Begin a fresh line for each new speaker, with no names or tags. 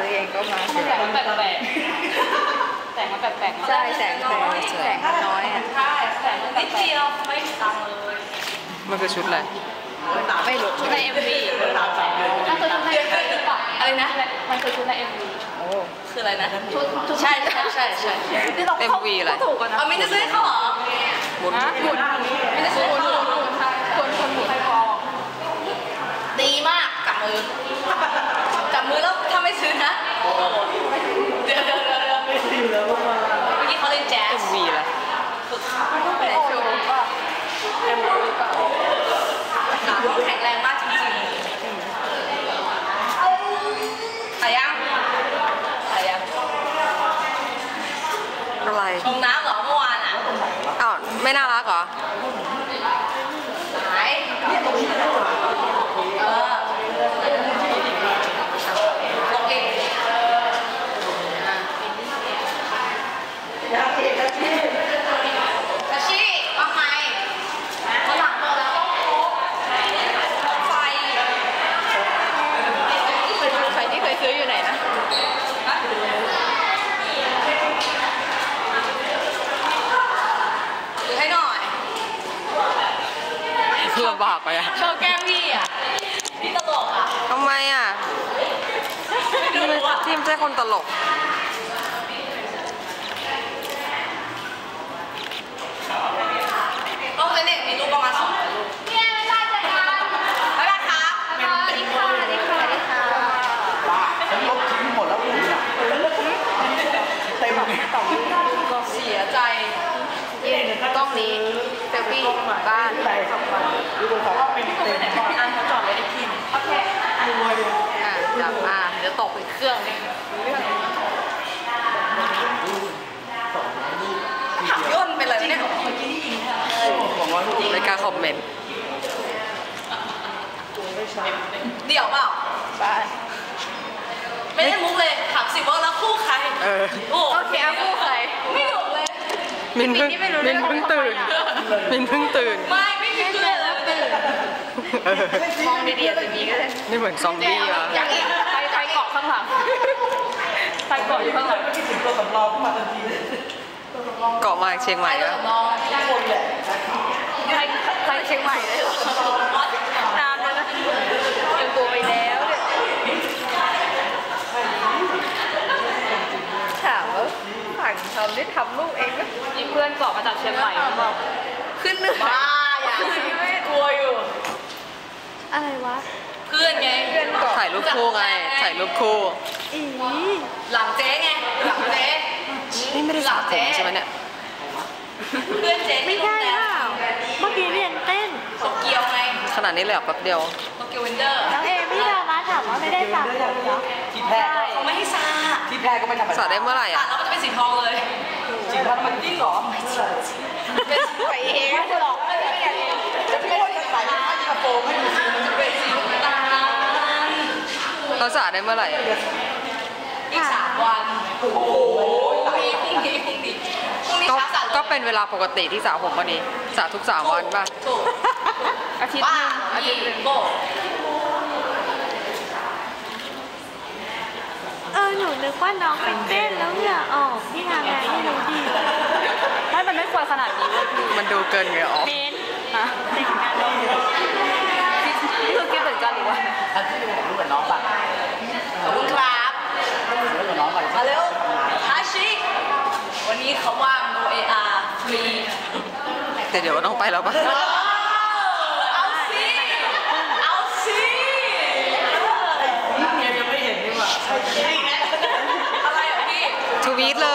ตัวเองก็มา
แสงมันแปลกๆแสงมันแปลกๆ
ใช่แสงมันน้อยอ่ะ
ใช่แสงมันนิดเดียวไม่มีตังเลย
มันคือชุดอะไร
ไม่รู้
ชุดใน MV ถ้าคือชุดใน MV หรือเปล่าอะไรนะมันคือชุดใน MV
โอ้
คืออะไรนะชุดใช่
MV อะไร
ถูกกันนะ
ไม่ได้ซื้อเขาเหรอ
หมุน
ไม่ได้ซื้อเขาคนหมุนดีมากจับมือแล้วถ้าไม่ซื้อนะเดี๋ยวไม่ซื้อแล้วเมื่อกี้เขาเล่นแจ๊ส
MV อะไร
ฝึกไปในโชว์ป่ะ MV ป่ะขาเขาแข็งแรงมากจริงๆถ่ายยัง
อะไร
ชงน้ำเหรอเมื่อวานอ่ะ
อ้าวไม่น่ารักเหรอ
หายลงอีกกระชี่ว่าไงเขาหลังตัวแล้วต้องไฟ
ที่เคยซื้ออยู่ไหนนะ
หรือให้หน่อย
ลำบากไปอ่ะ
โชว์แก้มพี่อ่ะพี่ตลกอ่ะ
ทำไมอ่ะทีมไม่ใช่คนตลก
ก็เลยเนี่ยมีรูปประมาณ2รูปเนี่ยไม่ได้ใจกันบ๊ายบายครับสวัสดีค่ะ
บ้าฉันลบทิ้งหมดแล้วคุณอ่ะเต็ม
ก็เสียใจ
กล้องนี้เซลฟี่บ้าน
ดูบนเขาว่าเป็นเต็ม
เขาจอดไว้ในทีมโอเค
จับเดี๋ยวตกอีกเครื่องนึง
ขับย่นไปเลยเนี่ย
ไม่กล้าคอมเมนต์
เดี่ยวเปล่า
บ้าน
ไม่ได้มุกเลยถามสิว่าแล้วคู่ใคร
โอเคคู่ใคร
ไม่หนุกเลย
มินเพิ่งตื่นไม่มีเพื่อน
เลย
มองดีๆจะมีก็ได้
นี่เหมือนซอมบี้อ่ะ
อย่างอีกไปเกาะข้างหลัง
ไปเกาะอยู่ข้างหลัง
คิดถึงตัวสำรองขึ้นมาทันที
เกาะมาเชียงใหม่แล้ว
คนแหละ
ไปเชียงใหม่เลยเหรอนานแล้วนะยังตัวไปแล้วเนี่ยถามว่าฝั่งทำได้ทำลูกเองไหม
มีเพื่อนเกาะมาจากเชียงใหม่หรือเปล่า
ขึ้นเหนือ
บ้าอย่างนี้ไม่กลัวอยู่
อะไรวะ
เพื่อนไง
ถ่ายรูปคู่ไงถ่ายรูปคู่
หลังเจ๊ไงหลังเจ๊
นี่ไม่ได้สระผมใช่ไหมเนี่ย
เพื่อนเจ๊
ไม่ได้เปล่าเมื่อกี้เรียนเต้น
โตเกียวไง
ขนาดนี้เลยแป๊บเดียว
โตเกียววินเดอร์
น้องเอพี่ดามาถามว่าไม่ได้สระผมเหรอ
ที่แพ้
เขาไม่ให้สระ
ที่แพ้ก็ไม่ธรรมดา
สระได้เมื่อไหร่อ่ะ
แล้วมันจะเป็นสีทองเลย
จริงว่ามันจริงเหรอ
เป็นใส่เองจะหลอกไม่ได้เอง
จะไม่ว่าจะใส่ผ้ายีนโฟมให้ดูสิมันจะเป็นสีน้ำตาล
เราสระได้เมื่อไหร่
อีก3 วันโอ้โหพรุ่งนี้
ก็เป็นเวลาปกติที่สระผมวันนี้สระทุก3 วันป่ะ
อาทิตย์นึงหนูนึกว่าน้องเป็นเต้นแล้วเหงื่อออกพี่ทำไงไม่รู้ดี
มันไม่ควรขนาดนี้เลย
มันดูเกินเหงื่อออก
เน้นแต่งงานเรา
คือคิดเหมือนกันหรือว่า
ท่านที่เป็นรู้กับน้องป่ะ
ขอบคุณครับ
รู้กับน้องป่ะ
มาเร็วฮาชิวันนี้เขาว่างโนเออาร์ฟรี
แต่เดี๋ยวต้องไปแล้วป่ะ
เอาสิ
ยังไม่เห็นนี่หว่า
อะไรอ่ะพี่
ทวีตเล